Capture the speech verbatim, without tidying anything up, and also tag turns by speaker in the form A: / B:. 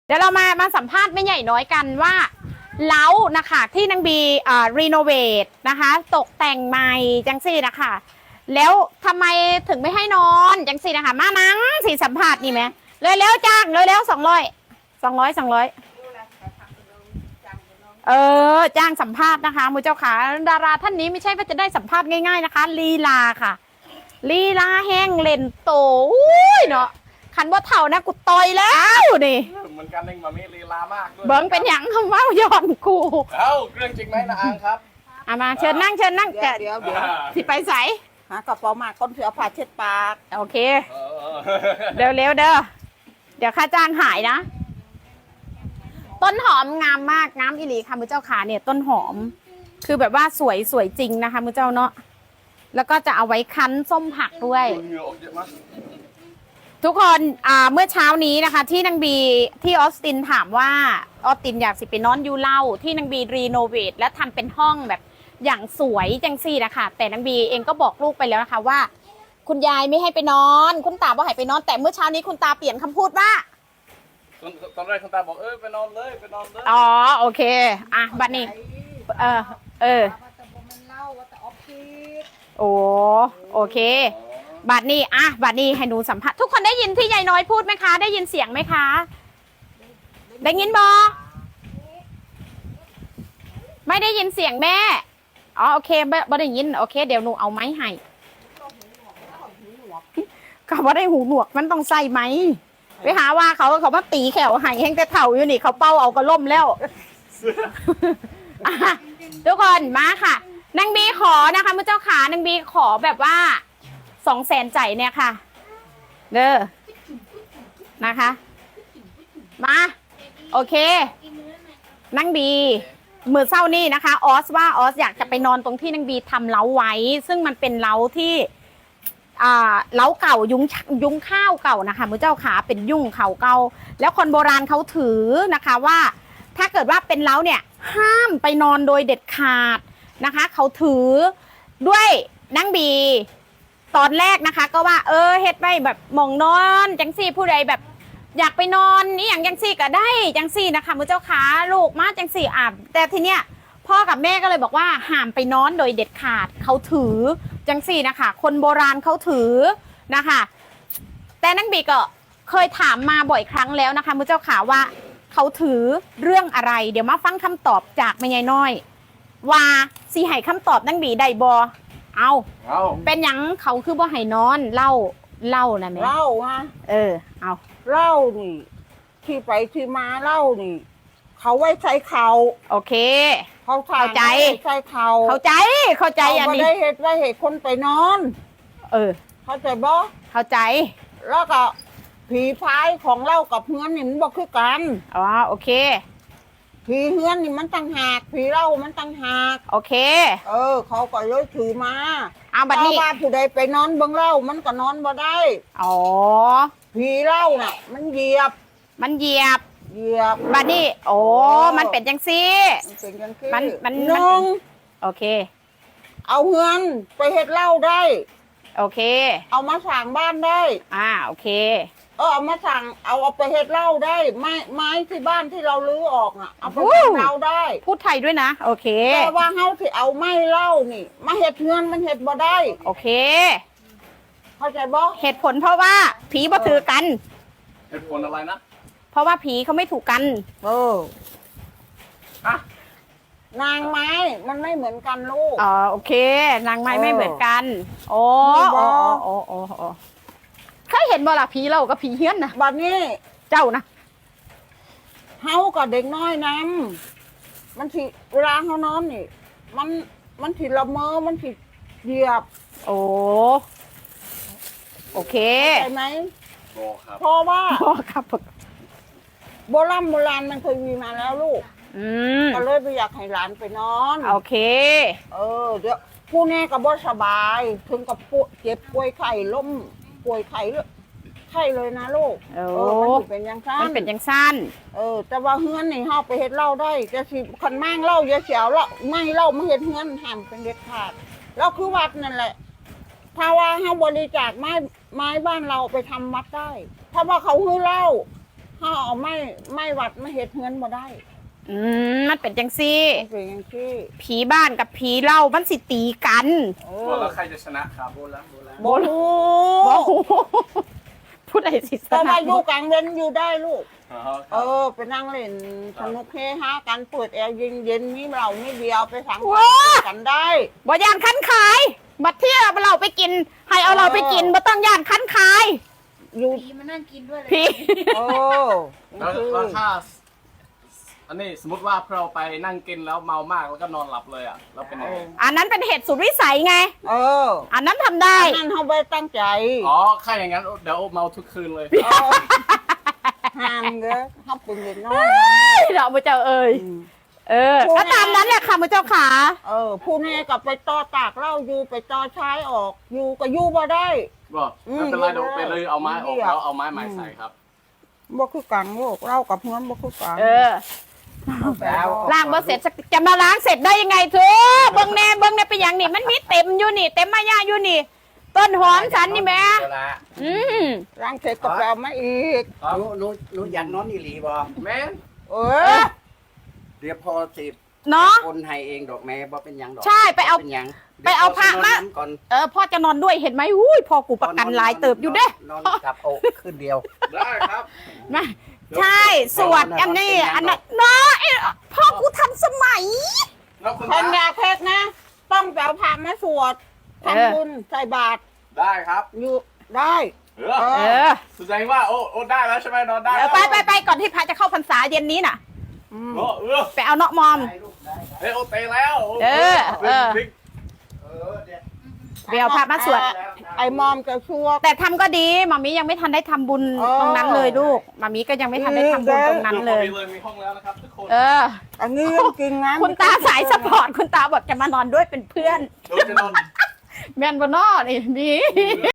A: เดี๋ยวเรามามาสัมภาษณ์แม่ใหญ่น้อยกันว่าเล้านะคะที่นางบีอ่ารีโนเวทนะคะตกแต่งใหม่จังสี่นะคะแล้วทำไมถึงไม่ให้นอนจังสี่นะคะมานังสี่สัมภาษณ์นี่ไหมเลยแล้วจ้างเลยแล้วสองร้อยสองร้อยสองร้อยเออจ้างสัมภาษณ์นะคะมือเจ้าขาดาราท่านนี้ไม่ใช่ว่าจะได้สัมภาษณ์ง่ายๆนะคะลีลาค่ะลีลาแห้งเล่นโตอุ้ยเนาะขันว่าเท่านะกูต่อยแล้วนี่
B: เหมือนกันเองมามีลีลามากด้วย
A: เบิ้งเป็นหยังคำว่าย้อนกู
B: เอ้าเรื่องจริงไหมนะอังครับ
A: เอามาเชิญนั่งเชิญนั่ง
C: เดี๋ยวเดี๋ยวเดี๋ยว
A: สิไปใส่
C: หากระเป๋ามาก้นเสือผ้าเช็ดปาก
A: โอเคเร็วเร็วเด้อเดี๋ยวค่าจ้างหายนะต้นหอมงามมากงามอิหลีค่ะมือเจ้าขาเนี่ยต้นหอมคือแบบว่าสวยสวยจริงนะคะมือเจ้าเนาะแล้วก็จะเอาไว้คั้นส้มผักด้วยทุกคนอ่าเมื่อเช้านี้นะคะที่นางบีที่ออสตินถามว่าออสตินอยากสิไปนอนยูเล่าที่นางบีรีโนเวทและทำเป็นห้องแบบอย่างสวยจังซี่นะคะแต่นางบีเองก็บอกลูกไปแล้วนะคะว่าคุณยายไม่ให้ไปนอนคุณตาบอกให้ไปนอนแต่เมื่อเช้านี้คุณตาเปลี่ยนคำพูดว่า
B: ตอนแรกคุณตาบอกเออไปนอนเลยไปนอนเลย
A: อ๋อโอเคอ่ะบัดนี้เออเออโอ้โอเคบัดนี้อ่ะบัดนี้ให้หนูสัมภาษณ์ทุกคนได้ยินที่ยายน้อยพูดไหมคะได้ยินเสียงไหมคะได้ยินบอไม่ได้ยินเสียงแม่อ๋อโอเคบ่ได้ยินโอเคเดี๋ยวหนูเอาไม้ให้ก็บ่ได้หูหนวกมันต้องใส่ไหมไปหาว่าเขาเขามาตีแขวให้แห้งแต่เถ่าอยู่นี่เขาเป้าเอากระล่มแล้วทุกคนมาค่ะนางบีขอนะคะมื่อเจ้าขานางบีขอแบบว่าสองแสนใจเนี่ยค่ะเด้อนะคะมาโอเคนางบีมือเศร้านี่นะคะออสว่าออสอยากจะไปนอนตรงที่นางบีทำเล้าไว้ซึ่งมันเป็นเล้าที่อ่าเล้าเก่ายุ้งยุ้งข้าวเก่านะคะมือเจ้าขาเป็นยุ่งเขาเก่าแล้วคนโบราณเขาถือนะคะว่าถ้าเกิดว่าเป็นเล้าเนี่ยห้ามไปนอนโดยเด็ดขาดนะคะเขาถือด้วยนางบีตอนแรกนะคะก็ว่าเออเฮ็ดไว้แบบมองนอนจังซี่ผู้ใดแบบอยากไปนอนนี่อย่างจังซี่ก็ได้จังซี่นะคะมือเจ้าขาลูกมาจังซี่อ่ะแต่ทีเนี้ยพ่อกับแม่ก็เลยบอกว่าห้ามไปนอนโดยเด็ดขาดเขาถือจังซี่นะคะคนโบราณเขาถือนะคะแต่นางบีก็เคยถามมาบ่อยครั้งแล้วนะคะมือเจ้าขาว่าเขาถือเรื่องอะไรเดี๋ยวมาฟังคำตอบจากแม่ยายน้อยว่าสิให้คำตอบนางบีได้บ่เอาเอาเป็นหยังเขาคือบ่ให้นอนเล่าเล่านะแม่
C: เล่าฮะ
A: เออเอา
C: เล่านี่ที่ไปที่มาเล่านี่เขาไว้ใช้เขา
A: โอเค
C: เขา
A: เข้าใจ
C: ใช้เขา
A: เข้าใจเข้าใจอันนี้
C: เขาได้เหตุได้เหตุคนไปนอน
A: เออ
C: เข้าใจบ่
A: เข้าใจ
C: แล้วก็ผีพายของเล่ากับเฮือนนี่มันบอกคือกัน
A: อ๋อโอเค
C: ผีเฮือนนี่มันต่างหากผีเล่ามันต่างหาก
A: โอเค
C: เออเขาก็เลยถือมา
A: เอาบัดนี้
C: ว่าผู้ใดไปนอนเบิ่งเล่ามันก็นอนบ่ได้
A: อ๋อ
C: ผีเล่าน่ะมันเหยียบ
A: มันเหยียบ
C: เหยียบ
A: บัดนี้โอ้มันเป็นจังซี่
C: มันเป็นจังซี่
A: มันมัน
C: นึง
A: โอเค
C: เอาเฮือนไปเฮ็ดเล่าได้
A: โอเค
C: เอามาสั่งบ้านได้
A: อ่าโอเค
C: เออเอามาสั่งเอาเอาไปเฮ็ดเหล้าได้ไม้ไม้ที่บ้านที่เราลื้อออกอ่ะเอาไปเฮ็ดเหล้าได้
A: พูดไทยด้วยนะโอเค
C: แต่ว่าเฮาที่เอาไม้เหล้านี่มาเฮ็ดเฮือนมันเฮ็ดบ่ได้
A: โอเค
C: เข้าใจบ่
A: เหตุผลเพราะว่าผีบ่ถือกัน
B: เหตุผลอะไรนะ
A: เพราะว่าผีเขาไม่ถูกกัน
C: เอออะนางไม้มันไม่เหมือนกันลูก
A: อ๋อโอเคนางไม้ไม่เหมือนกันโอ้โอ้โอ้โอ้โอ้เคยเห็นบ่ล่ะผีเรากับผีเฮี้ยนนะ
C: บัดนี้
A: เจ้านะ
C: เฮากับเด็กน้อยนำมันสิเวลาเฮานอนนี่มันมันสิละเมอมันสิเหยียบ
A: โอ้โอเค
C: ใช่ไหม
B: โอ้ครับ
C: เพราะว่า
A: พ่อครับ
C: โบราณโบราณมันเคยมีมาแล้วลูก
A: อืม
C: ก็เลยไปอยากให้หลานไปนอน
A: โอเค
C: เออเดี๋ยวผู้แน่ก็บ่สบายถึงกับป่วยเจ็บป่วยไข้ล้มป่วยไข้ไข้เลยนะลูก
A: เอ
C: อมันเป็นยังสั้น
A: มันเป็นยังสั้น
C: เออแต่ว่าเฮือนนี่เฮาไปเฮ็ดเหล้าได้จะสิคันมั่งเหล้าอย่าเสียวละไม่เหล้ามาเฮ็ดเฮือนห้ามเป็นเด็ดขาดแล้วคือวัดนั่นแหละถ้าว่าเฮาบริจาคไม้ไม้บ้านเราไปทำวัดได้ถ้าว่าเขาฮื้อเหล้าถ้าเอาไม่ไม่วัดไม่เฮ็ดเฮือนบ่ได้
A: อืมมันเป็นจังซี่
C: มันเป็นอย่างที่
A: ผีบ้านกับผีเล่ามันสิตีกัน
C: เอ
B: ว่า
C: อ
B: แล้วใครจะชนะครับโบราณโบราณ
C: บ่รู้
A: บ่ฮู้พูดอะไรสิ
C: แต่ว่าอยู่กลางเว้นอยู่ได้ลูก
B: อ๋อค
C: เอ
B: รับ
C: อไปนั่งเล่นสนุกเฮฮากันเปิดแอร์เย็นๆมีเราไม่เดียวไปสังสรรค์กันได้
A: บ่ย่านคันขายบัดเที่ยวเราไปกิน ให้เอาเราไปกินบ่ต้องย่านคันขาย
C: อยู่
D: ผีมานั่งกินด้วยเลย
A: ผี
C: เออ
B: แล้วแล้วถ้าอันนี้สมมติว่าเราไปนั่งกินแล้วเมามากแล้วก็นอนหลับเลยอ่ะเราเป็นยังไง
A: อันนั้นเป็นเหตุสุดวิสัยไง
C: เออ
A: อันนั้นทำได้
C: นั่นเขาไปตั้งใจ
B: อ๋อถ้าอย่างนั้นเดี๋ยวเมาทุกคืนเลย
C: เออห้ามเด้อเขาเป็นเด็กน้อย
A: เราพระเจ้าเอ่ย
C: อืม
A: เออ ก็ตามนั้นแหละค่ะพระเจ้าขา
C: เออผู้นี้กับไปต่อตากเหล้าอยู่ไปต่อใช้ออกอยู่ก็อยู่บ่ได้
B: บอก
C: อืม
B: ไม่เป็นไรเดี๋ยวไปเลยเอาไม้ออก
C: เดี๋ยว
B: แล้วเอาไม้ใหม่ใส่ครับ
C: บ่คือกันลูกเหล้ากับเฮือนบ่คือกัน
A: เออ
C: แล้ว
A: ล้างบ่เสร็จสักจะมาล้างเสร็จได้ยังไงเธอเบิ่งแน่เบิ่งแน่เป็นอย่างนี่มันมีเต็มอยู่นี่ เต็มมายาอยู่นี่ ต้นหอมฉันนี่แม่
E: เวลา
A: อืม
C: ล้างเสร็จก็ไปเอามาอีก
B: ครับ
E: หนูหนูหนูอยากนอนอีหลีบ่
B: แม่น
C: เอ
A: เอ
C: อ
A: อ
E: เดี๋ยวพอสิ
A: เนาะ
E: คนให้เองดอกแม่บ่เป็นหยังดอก
A: ใช่ไปเอา
E: บ่นหยัง
A: ไปเอาพระมา
E: เดี๋ยวพอสินอนน้ำก่อน
A: เออพ่อจะนอนด้วยเห็นไหมอุ้ยพ่อกูประกันหลายเติบอยู่เด้
E: นอนกับโอกขึ้นเดียว
B: ได้ครับ
A: มาใช่สวดอันนี้อันนั้นเนาะไอ้พ่อกูทันสมัย
B: แล้วคุณ
C: คน
B: ตา
C: อยากเพชรนะ ต้องไปเอาพระมาสวด
A: เออ
C: ทำบุญใส่บาตร
B: ได้ครับ
C: อยู่ได้
B: เออ
A: เออ
B: แสดงว่าโอ้โอ้ได้แล้วใช่ไหมนอนได้
A: เออไปไปไปก่อนที่พระจะเข้าพรรษาเย็นนี้น่ะ
C: อืม
B: โอ้เออ
A: ไปเอาเนาะมอม
E: ได้ลูกได้
B: เฮ้ยโอ้เตะแล้วโ
A: เออเออ
B: บิ๊ก
E: เออเดี๋ยว
A: ไปเอาพระมาสวด
C: ไอ้มอมจะสวด
A: แต่ทำก็ดีมามียังไม่ทันได้ทำบุญ
C: เออ
A: ตรงนั้นเลยลูกมามีก็ยังไม่ทันได้ทำบุญตรงนั้นเลย
B: ดี๋วพอดีมีห้องแล้วนะครับทุกคน
A: เออ
C: อันนี้เรื่องจริงนะ
A: คุณตาสายสปอร์ตคุณตาบอกจะมานอนด้วยเป็นเพื่อน
B: เดี๋ยวจะนอน
A: แมนบอนอนี่มี